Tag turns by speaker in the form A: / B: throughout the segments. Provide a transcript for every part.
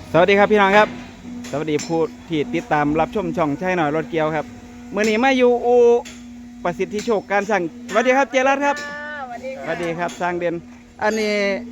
A: สวัสดีครับพี่น้องครับสวัสดีผู้ที่ติดตามรับชมช่องใช่หน่อยรถเกียวครับเมื่อนี้มาอยู่อูประสิทธิโชคการสั่งสวัสดีครับเจรัตครับสวัสดีครับสร้างเด่นอันนี้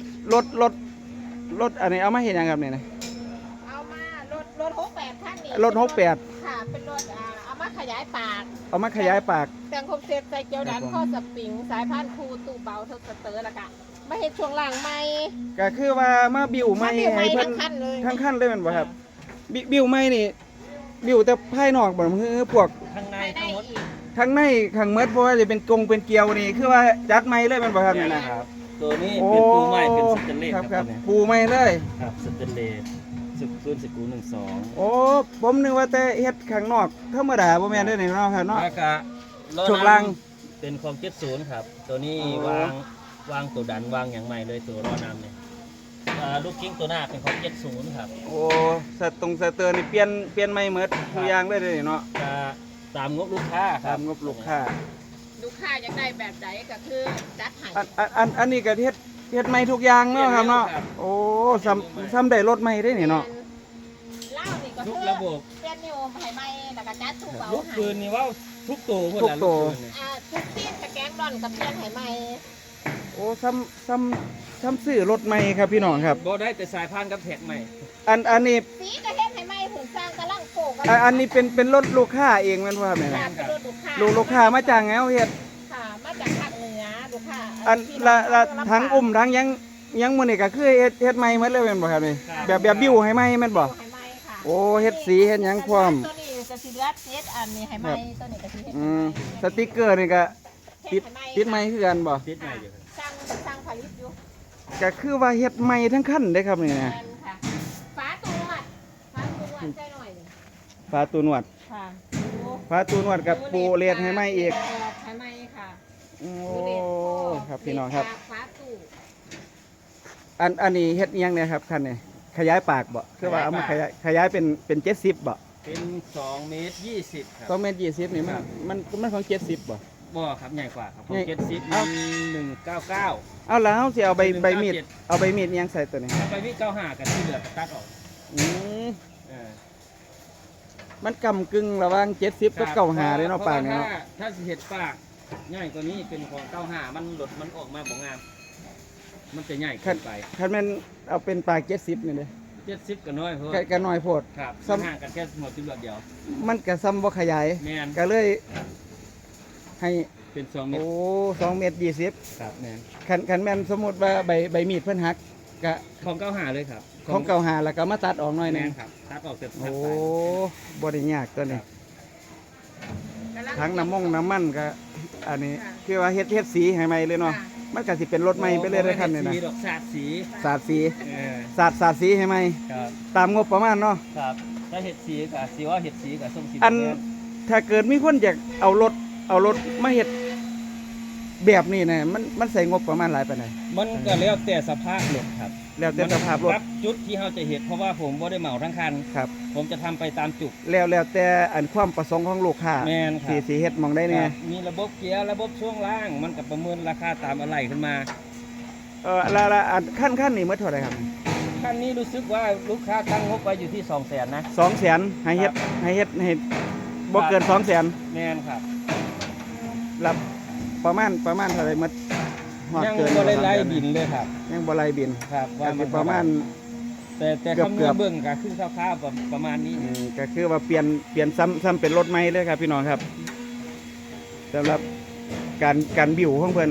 A: รถอันนี้เอามาเห็นยังครับเนี่ยนะ
B: เอามารถ68ท่านนี่
A: รถ68
B: ค่ะเป็นรถเอามาขยายปาก
A: เอามาขยายปาก
B: แต่งครบเซตใส่เกียวดันข้อสปริงสายพานคูตู้เบาทดสเตอร์ละกะมาเห็ดช่วงล่างใหม่
A: ก็คือว่ามาบิวไม่ให้เพิ่น
B: ทั้งคันเลย
A: ทั้งขั้นเลยแมันบ่ครับบิวไม่นี่บิวแต่ภายนอกบ่คือพวก
C: ข้างใน
B: ไม่ได้
C: ทั้งหมด
B: อีก
A: ทั้งในข้างเมดเพราะว่าจะเป็นกงเป็นเกลียวนี่คือว่าจัดไม่เลยแมันบ่ครับเนี่ยนะ
C: ครับตัวนี้เป็นปูไม้เป็นสเตนเลส
A: ครับ
C: ครับ
A: ปูไม่เลย
C: ครับสเตนเลสสึกรุ่นสกู12
A: โอ้ผมนึกว่าแต่เฮ็ดข้างนอกธรรมดาบ่แม่นเด้อนี่เนาะครับเนาะ
C: แล้วก็ล้อ
A: ช่วงล่าง
C: เป็นความ70ครับตัวนี้
A: อ๋อ
C: วางตัวดันวางอย่างใหม่เลยตัวล้อน้ำเนี่ยลูกกิ้งตัวหน้าเป็นความ70ครับ
A: โอ้สเตอร์นี่เปลี่ยนใหม่หมดทุกอย่างเลยเด้อนี่เนาะ
C: ก็ตามงบลูกค้าค
A: ตา
C: รับ
A: มงบลูกค้า
B: ลูกค้าอยากได้แบบใดก็คือจัดให้
A: อันนี้ก็เฮ็ดใหม่ทุกอย่างเนาะครับเนาะโอ้ซ้ำได้รถใหม่ได้นี่เนาะ
B: เล่านี่ก็
C: ทุ
B: คื
C: ก
B: อ
C: ระบบ
B: เปลี่ยนนิวให้ใหม่แล้วก็จัดตู้เบา
C: ลูก
B: ให้
C: ปืนนี่ว่าทุกตัวคน
A: ทุก
C: ละ
A: ตัว
C: ลูกปืนเนี่ย
B: ทุกที่สแกนดอนกับเปลี่ยนให้ใหม่
A: โอ้ซ้ำซื้อรถใหม่ครับพี่น้องครับ
C: บ่ได้แต่สายพานกับแท็กใหม่
A: อันนี้
B: สีก็เฮ็ดให้ใหม่หุ่นสร้างกำลังโปก
A: อันนี้เป็นรถลูกค้าเองแม่นบ่ครับเนี่ย
B: ค่ะ
A: นะ
B: เป็นรถลูกค้า
A: ลูกค้ามาจ้างแงวเฮ็ด
B: ค่ะมาจากภาคเหนือลูกค้า
A: อัน
B: ที่
A: ละ
B: เรา
A: ทั้งทั้งยังมื้อนี้ก็คือเฮ็ดใหม่หมดเลยแม่นบ่ครับนี่แบบบิวให้ใหม่แม่นบ่
B: ให้ไหมค่ะ
A: โอ้เฮ็ดสีเฮ็ดหยังพร้อม
B: ตัวนี้จะสิเหลือเฮ็ดอันนี้ให้ไหมตัวนี้ก็สิเฮ็ด
A: อืมสติกเกอร์นี่ก็ติดใหม่คือกันบ่
C: ติดใหม่อยู่ครับ
B: สร้างผลิตอยู่
A: ก็คือว่าเฮ็ดใหม่ทั้งคันเด้ครับนี่
B: แม
A: นะ
B: นค่ะฟ้าตัววัดใจหน่อยหนึ่ง
A: ฝาตูนวด
B: ค่ะ
A: ฝาตูนวดกับปูเลดให้ใหม่อีก
B: ให้ไหมค่ะ
A: โอ้ครับพี่น้องครับ
B: ฟ้าตู้
A: อันนี้เฮ็ดอิหยังเนี่ยครับคันนี้ขยายปากบ่คือว่าเอามาขยายเป็น70บ่
C: เป็น2 เมตร 20ครับ
A: 2เมตร20นี่มันของ70บ่
C: บ่ครับใหญ่กว่าครับข
A: ให
C: อ
A: ญ่
C: ง70
A: เอ้า
C: มี199
A: เอาแล้วเฮาสิเอาใบ
C: เป็น
A: มีด
C: 97
A: เอาใบมีดอิหยังใส่ตัวนี้
C: ถ้าไปวิ95กันที่เหลือก็ตัดออก
A: อืม
C: เออ
A: มันกำกึ่งระหว่าง70กับ95เด้เนาะปากเนี่ยเนาะ
C: ถ้าสิเฮ็ดปากใหญ่กว่านี้เป็นของ95มันหลดมันออกมาบ่งาม มันจะใหญ่เกินไป
A: คันแม่นเอาเป็นปาก70นี่เด้
C: 70ก็น้อยเพราะ
A: ก็น้อยโพด
C: ครับ
A: ซ้ำ
C: ห่างกันแค่หมดจุดเดียว
A: มันก็ซ้ำบ่ขยาย
C: แม่น
A: ก็เลยให้
C: เป็น2 เมต
A: โอ้
C: ร
A: 2เมตร20
C: ครับแม่น
A: คันแม่นสมมุติว่าใบมีดเพิ่นหักก็
C: ของ95เลยครับ
A: ของเก่าหาแล้วก็มาตัดออกหน่อยหนึ
C: แม่
A: ง
C: นครับตัดออกเสร็จ
A: โอ้
C: ตัดไป
A: บ่ได้ยากตัวนี้
C: ครับ
A: ทั้งน้ำมันก็อันนี้คือว่าเฮ็ดสีให้ใหม่เลยเนาะมันก็สิเป็นรถใหม่ไปเลยเลยคันนี้นะ
C: สีดอกสาดสี
A: สาดสี
C: เออ
A: สาดสีให้ใหม่
C: ครับ
A: ตามงบประมาณเนาะ
C: ครับถ้าเห็ดสีกับสีว่าเห็ดสีกับส้มสี
A: อัน
C: แดง
A: ถ้าเกิดมีคนอยากเอารถมาเฮ็ดแบบนี้นะมันใส่งบประมาณหลายปานใด
C: มันก็แล้วแต่สภาพรถครับ
A: แล้วแต่สภาพรถ
C: รับจุดที่เราจะเห็ดเพราะว่าผมบ่ได้เหมาทั้งคัน
A: ครับ
C: ผมจะทำไปตามจุด
A: แล้วแต่อันความประสงค์ของลูกค้า
C: แม่นครับ
A: สิเฮ็ดหมองได้แน่
C: ครับมีระบบเกียร์ระบบช่วงล่าง มันกับประเมินราคาตามอะไรขึ้นมา
A: ละอันขั้นนี้หมดเท่าไหร่ครับ
C: คันนี้รู้สึกว่าลูกค้าตั้งงบไว้อยู่ที่ 200,000นะ
A: 200,000ให้เฮ็ดบ่เกิน200,000
C: แม่นครับ
A: รับประมาณเท่าไหร่หมดฮอด
C: ยัง
A: เกิน
C: บ่ได้ไล่
A: 200,000
C: บินเลยครับ
A: ยังบ่ไล่บิน
C: ครับ
A: ก็สิประมาณ
C: แต่
A: เกือบ
C: คำน
A: เกื
C: ว
A: อ
C: ณ
A: บ
C: เบิ่งก็คือคร่าวๆประมาณนี้
A: ก็คือว่าเปลี่ยนซ้ำเป็นรถใหม่เลยครับพี่น้องครับสำหรับการบิวของเพิ่น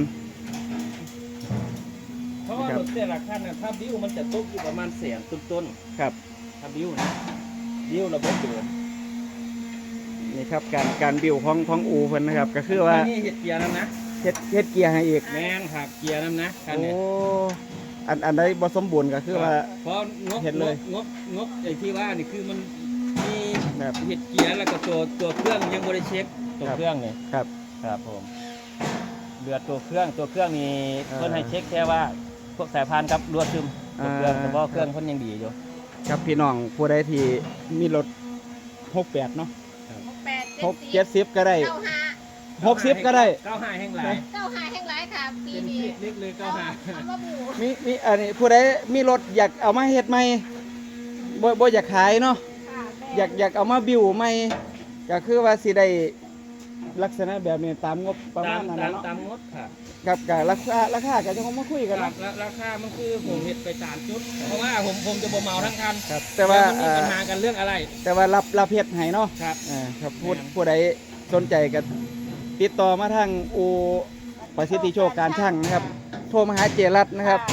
C: เพราะว่ารถแต่ละคันนะถ้าบิ้วมันจะตกอยู่ประมาณแสนต้น
A: ครับ
C: ๆถ้าบิ้วนะบิ้วระบบเดิม
A: นี่ครับการบิวของอูเพิ่นนะครับ ก็คือว่า
C: นี่เห็ดเกียร์น้ำนะ
A: เฮ็ดเกียร์ให้อีก
C: แม่นครับเกียร์น้ำนะคัน
A: โอ้
C: เนี้
A: อันใดบ่สมบูรณ์ก็คือว่า
C: เพราะงบ
A: เห็นเลย
C: งบไอ้ที่ว่านี่คือมันมี
A: แบบ
C: เห็ดเกียร์แล้วก็ตัวเครื่องยังบริเช็คตัวเครื่องเนี่ย
A: ครับ
C: ครับผมเรือตัวเครื่องนี่
A: อ่า
C: เพิ่นให้เช็คแค่ว่าพวกสายพานครับรั่วซึมตัวเครื่อง
A: อ่า
C: แต่ว่าเครื่องเพิ่นยังดีอยู่
A: ครับพี่น้องผู้ใดที่มีรถ68เนาะ
B: 68
A: 70ก็ได้
B: 95
A: 60ก็ได้
C: 95แห่งหลาย
B: 95แห่งหลายค่ะปี
C: เป็น
B: นี้
C: เล็กเลย
B: เอา
C: 95
B: มาบู
A: มีอันนี้ผู้ใดมีรถอยากเอามาเฮ็ดใหม่บ่อยากขายเนาะ
B: ค่ะแม่
A: อยากเอามาบิวใหม่ก็คือว่าสิได้ลักษณะแบบนี้ตามงบประมาณนั้นเนาะ
C: ตามงดค่ะ
A: กับราคาก็จะคงมาคุยกัน
C: ครั
A: เนาะ
C: บราคามันคือผมเฮ็ดไปตามจุด เพราะว่าผมจะบ่เหมาทั้งคัน
A: ครับแต่ว่า
C: มันมีปัญหากันเรื่องอะไร
A: แต่ว่ารับเฮ็ดให้เนาะ
C: ครับ
A: ครับผู้ใดสนใจก็ติดต่อมาทางอูประสิทธิโชคการช่างนะครับ โทรมาหาเจรัตน์นะครับ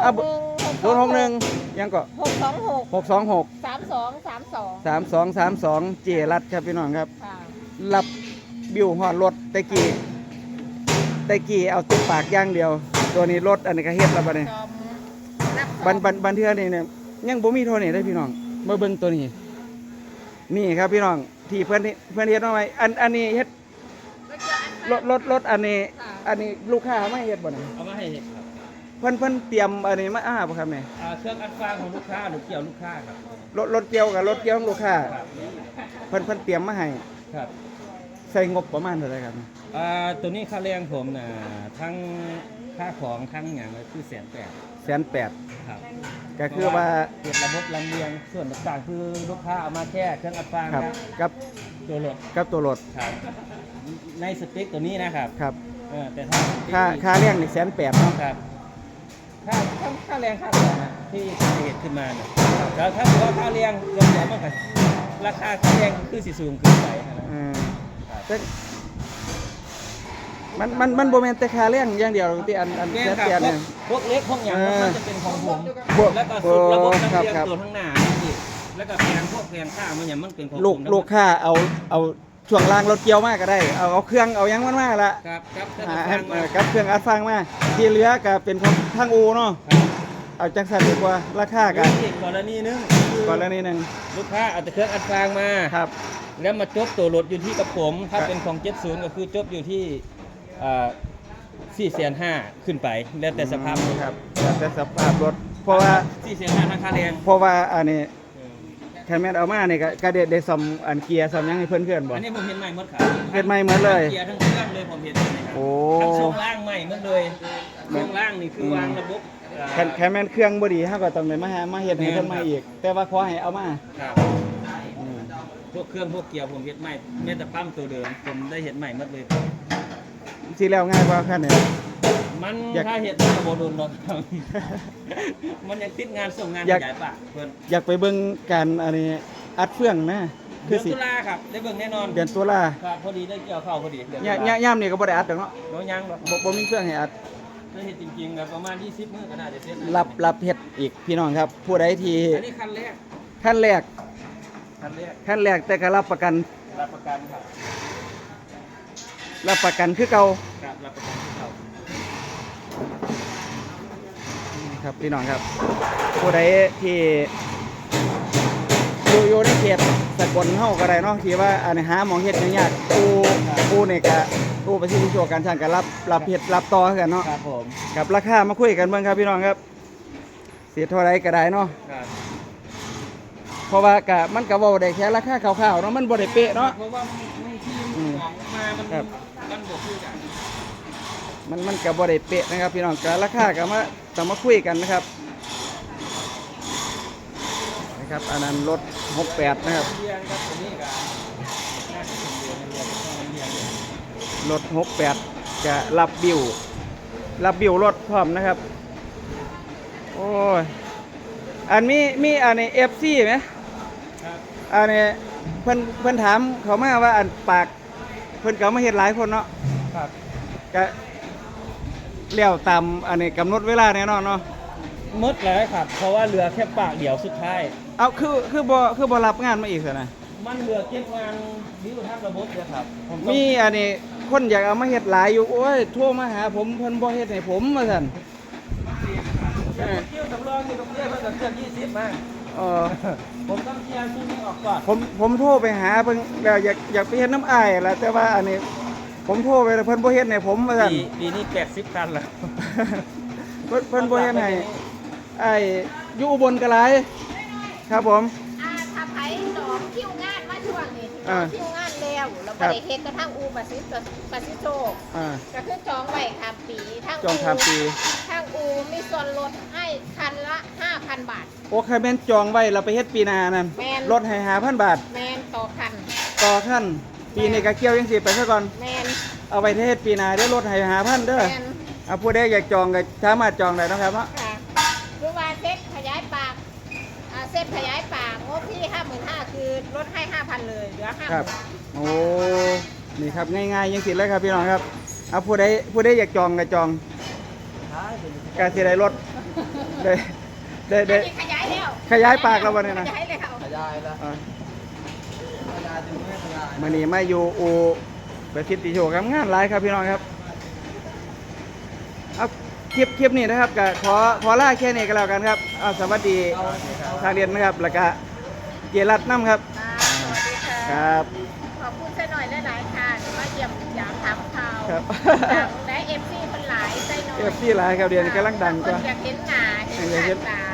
A: 061ยังก็
B: 626
A: 626
B: 3232
A: 3232เจรัตน์ครับพี่น้องครับ
B: ค่ะ
A: รับบิวฮอดรถตะกี้เอาติดปากอย่างเดียว ตัวนี้รถอันนี้ก็เฮ็ดแล้วบัดนี้
B: จอมรับซ่อม
A: บันเทื่อนี่เนี่ยยังบ่มีเท่านี้เด้อพี่น้องมาเบิ่งตัวนี้ นี่ครับพี่น้องที่เพิ่นเฮ็ดมาไว้อันนี้เฮ็ดรถอันนี้ลูกค้ามาเฮ็ดบ่นี่
C: เอามาให้เห็ดครับ
A: เพิ่นเตรียมอันนี้มาบ่ครับเนี่ย
C: เครื่องอัดฟางของลูกค้าหรือเกี่ยวลูกค้าครับ
A: รถเกี่ยวกับรถเกี่ยวของลูกค้า
C: ครับ
A: เพิ่นเตรียมมาให้
C: ครับ
A: ใส่งบประมาณเท่าไหร่ครับ
C: ตัวนี้ค่าแรงผมน่ะทั้งค่าของทั้งอย่างเลยคือ180,000
A: 180,000
C: ครับ
A: ก็คือว่า
C: เก็บระบบลำเลียงส่วนต่างๆคือลูกค้าเอามาแค่เครื่องอัดฟาง
A: ครับ
C: ครับ
A: กับ
C: ตัวรถ
A: ตัวรถ
C: ครับในสเปคตัวนี้นะครับ
A: ครับ
C: แต่ถ้า
A: ค่าเลี้ยงนี่180,000เนาะ
C: ครับค่าแรงค่าของนะที่เหตุขึ้นมานะแล้วถ้าถือว่าค่าแรงรวมแล้วมันก็ราคาค่าแรงคือสิสูงขึ้นไปนะ
A: แต่มันบ่แม่นแต่ค่าเลี้ยงอย่างเดียวที่อัน
C: แม่
A: แสน
C: ค
A: แป
C: รั
A: ด
C: บ
A: เนี่ย
C: พวกเล็กพวกอย่างมันจะเป็นของผม
A: พวก
C: แล้วก็สุดระบบลำเลียง
A: ครับ
C: ตัวข้างหน้าอีกแล้วก็แพงพวกแพงค่ามันอย่างมันเป็นของผม
A: ลูกค้าเอาช่วงล่างรถเกี่ยวมาก็ได้เอาเครื่องเอาหยังมันมาละ
C: ครับครับถ้า
A: ให้
C: ฟังมา
A: กับเครื่องอัดฟังมาที่เหลือก็เป็นของทางอูเนาะเอาจังซั่นดีกว่าราคาก็
C: อีกกรณีนึง
A: ก่อนแล้วนิดนึง
C: ลูกค้าเอาแต่เครื่องอัดฟางมา
A: ครับ
C: แล้วมาจบตัวรถอยู่ที่กับผม ถ้า
A: ครับ
C: เป็นของ70ก็คือจบอยู่ที่450,000ขึ้นไป แล้วแต่สภาพรถ
A: ครับแล้วแต่สภาพรถเพราะว่า
C: 450,000ทั้งค่าแรง
A: เพราะว่าอันนี้แค่แม่นเอามานี่ก็ได้ซ่อมอันเกียร์ซ่อมหยังให้เพื่อนๆบ่
C: อันนี้ผมเห็นใหม่หมดครับ
A: เฮ็ดใหม่หมดเลย
C: เกียร์ทั้งเครื่องเลยผมเห็นเลยครับ
A: โอ้
C: ทั้งช่วงล่างใหม่หมดเลยช่วงล่างนี่คือวางระบบ
A: แค่แม่นเครื่องบ่ดีเฮาก็ต้องได้มาเฮ็ดให้เพิ่นใหม่อีก แต่ว่าขอให้เอามา
C: ครับ
A: อืม
C: พวกเครื่องพวกเกียร์ผมเห็นใหม่แม้แต่ปั๊มตัวเดิมผมได้เห็นใหม่หมดเลย
A: สิแล้วง่ายกว่าคันนี้
C: มัน
A: อยาก
C: ถ้าเห็นมันก็บ่โดนหรอกครับ มันยังติดงานส่งงาน
A: อยาก
C: ขยายปากเพิ่น
A: อยากไปเบิ่งการอันนี้อัดเฟืองนะคื
C: เดื
A: อ
C: อน
A: สิ
C: ตุลาครับได้เบิ่งแน่นอน
A: เดือนตุลา
C: ครับพอดีได้เกี่ยวข้าวพอดีเดือนตุ
A: ย่ามนี่ก็บ่ได้อัดดอกเนาะ
C: น้อยยังหรอก
A: บ่มีเฟืองให้อัด
C: ได้เห็นจริงๆครับประมาณ20มื้อก็น่าจะเสร็จ
A: รับเฮ็ดอีกพี่น้องครับ ผู้ใดที่
C: อันนี้คันแรก
A: ขั้นแรก
C: คันแรก
A: ขั้นแรกแต่ก็รับประกัน
C: รับประกันครับ
A: คือเก่า
C: ครับรับประกันที่เขา
A: ครับพี่น้องครับ ผู้ใดที่อยู่ในเขตสกลเฮาก็ได้เนาะที่ว่าอันนี้หาหมองเฮ็ดยากๆอูนี่ก็อูประสิทธิโชคการช่างก็รับเฮ็ดรับต่อคือกันเนาะ
C: ครับผม
A: กับราคามาคุยกันเบิ่งครับพี่น้องครับเสียเท่าไรก็ได้เนาะ
C: ครับ
A: เพราะว่าก็มันก็เว้าได้แค่ราคาคร่าวๆเนาะมันบ่ได้เป๊ะเนาะ
C: เพราะว่ามันที่ของมามัน
A: ครับ
C: มันบ่คือกัน
A: มันก็บ่ได้เป๊ะนะครับพี่น้องก็ราคาก็มาต้องมาคุยกันนะครับนะครับอันนั้นรถ68นะครับ
C: เรียนครับตัวนี้ก็น่าจะเป็นเรียนต้องเรียน
A: รถ68จะรับบิวรถพร้อมนะครับ โอ้ยอันมีอันนี้ FC ไหม
C: ครับ
A: อันนี้เพิ่นถามเขามาว่าอันปากเพิ่นก็เอามาเฮ็ดหลายคนเนาะ
C: ครับ
A: ก็เลี้ยวตามอันนี้กำหนดเวลาแน่นอนเนาะ
C: หมดแล้วครับ เพราะว่าเหลือแค่ปากเดียวสุดท้าย
A: เอาคือบ่รับงานมาอีกซะนะ
C: มันเหลือเก็บงานวิวทางระบบเลยครับผมต้อง
A: มีอันนี้คนอยากเอามาเฮ็ดหลายอยู่โอ้ยโทรมาหาผมเพิ่นบ่เฮ็ดให้ผมว่าซั่น
C: คิวสำรองอยู่ตรงนี้เพิ่งจะเคลื่อน20มา
A: เออ
C: ผมต้องเคลียร์ที่นี้ออกก่อน
A: ผมโทรไปหาเพิ่นแล้วอยากไปเฮ็ดน้ำอ้ายล่ะแต่ว่าอันนี้ผมโทรไปแล้วเพิ่นบ่เฮ็ดให้ผมว่าซั่น
C: ปีนี้80คันแล้ว
A: เพิ่นบ่เฮ็ดให้ไอ้อยู่อุบลก็หลายครับผม
B: ถ้าไผหนองคิวงานมาช่วงนี้
A: อ่า
B: คิวงานแล้วยวเราบ่ได้เฮ็ดกระทั่งอูปาซิโซ
A: อ่า
B: ก็คือจองไว้ข้ามปีทาง
A: จองข้ามปี
B: ทางอูมีส่วนลดให้คันละ 5,000 บาท
A: โอ้ใครแม่นจองไว้เราไปเฮ็ดปีหนานั่น
B: แม่น
A: ลดให้5,000 บาท
B: แมนต่อคัน
A: ต่อขั้นปีนี้ก็เกี่ยวยังสิไปซะก่อน
B: แมน
A: เอาไปเฮ็ดปีหนาเดี๋ยวลดให้5,000เด้อ
B: แมน
A: เอาผู้ใดอยากจองก็สามารถจองได้เนาะครับเนาะ
B: ค่ะหรือว่าเซ็ตขยายปากเซ็ตขยายปากงบที่ 55,000คือลดให้ 5,000 เลยเหลือ
A: ครับ
B: 50,000
A: โอ้นี่ครับง่ายๆยังสิเลยครับพี่น้องครับเอาผู้ใดอยากจองก็จองกาสิได้ลดได้ได้
B: อันนี้ขยายแล้ว
A: ขยายปากแล้วบ่เนี่ยนะ
B: ขยายแล้ว
C: ขยายแล้ว
A: อ่า
C: ขยายจนไม่ขยาย
A: มื้อนี้มาอยู่อูประสิทธิโชคครับงานหลายครับพี่น้องครับเอาคลิปนี้นะครับก็ขอลาแค่นี้ก็แล้วกันครับเอาสวัสดีทางเรียนนะครับแล้วก็เจรัตน์น้ำครับ
B: สวัสดีค่ะ
A: ครับ
B: ขอบคุณเส้นหน่อยหลายๆค่ะมาเยี่ยมยามถามข่าว
A: ครับ
B: ดังและเอฟซีมันหลายใจหน่อย
A: เอฟซีหลายครับเรียนกำลังดัง
B: ค
A: ก็
B: นอยากเห็นหน้าเห็นหน้าตา